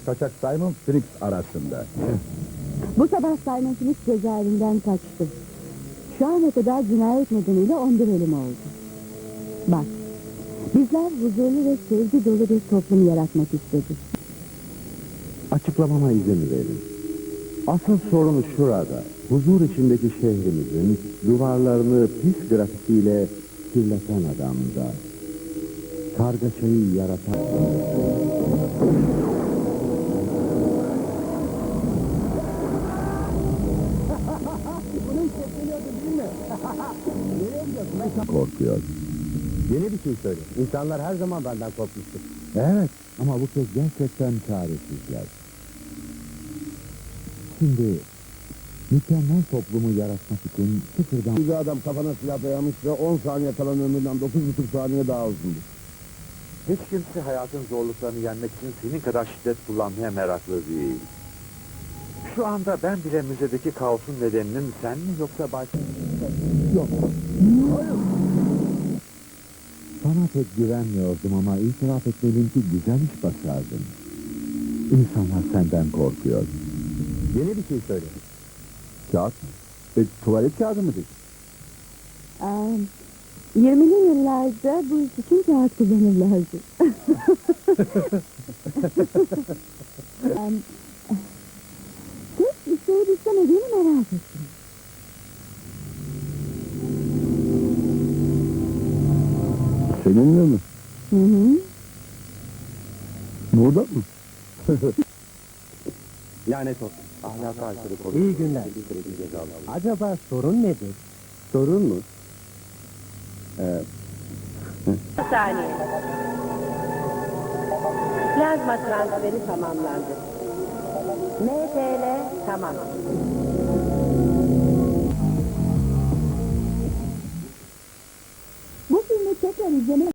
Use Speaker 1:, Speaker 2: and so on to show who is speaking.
Speaker 1: kaçak Simon Phoenix arasında.
Speaker 2: Bu sabah Simon Phoenix cezaevinden kaçtı. Şu ana kadar cinayet nedeniyle 11 ölüm oldu. Bak, bizler huzurlu ve sevgi dolu bir toplum yaratmak istedik.
Speaker 3: Açıklamama izin verin. Asıl sorun şurada. Huzur içindeki şehrimizin duvarlarını pis grafitiyle kirleten adamda. Kargaşayı yaratan... Korkuyor.
Speaker 1: Yeni bir şey söyle. İnsanlar her zaman benden korkmuştur.
Speaker 3: Evet, ama bu kez gerçekten çaresizler. Şimdi mükemmel toplumu yaratmak için sıfırdan...
Speaker 1: Bir adam kafana silah dayamış ve 10 saniye kalan ömründen 9,5 saniye daha uzundur.
Speaker 4: Hiç kimse hayatın zorluklarını yenmek için senin kadar şiddet kullanmaya meraklı değil. Şu anda ben bile müzedeki kaosun nedeninin sen mi yoksa başka...
Speaker 3: Yok. Sana pek güvenmiyordum ama itiraf etmeliyim ki güzel iş başardın. İnsanlar senden korkuyor.
Speaker 1: Yeni bir şey söyle. Kağıt mı? Tuvalet kağıdı mı dedi?
Speaker 2: 20'li yıllarda bu iş için kağıt kullanırlardı. Tek isteyip istemediğini merak ettim.
Speaker 1: Seninle mi?
Speaker 2: Hı hı.
Speaker 1: Burada mı?
Speaker 4: Lanet olsun. Ahlaka aykırı konuşuyor.
Speaker 1: İyi günler. Acaba sorun nedir? Sorun mu?
Speaker 5: Bir saniye. Plazma transferi tamamlandı. MTL tamam.
Speaker 2: Bu filmi tekrar izlemek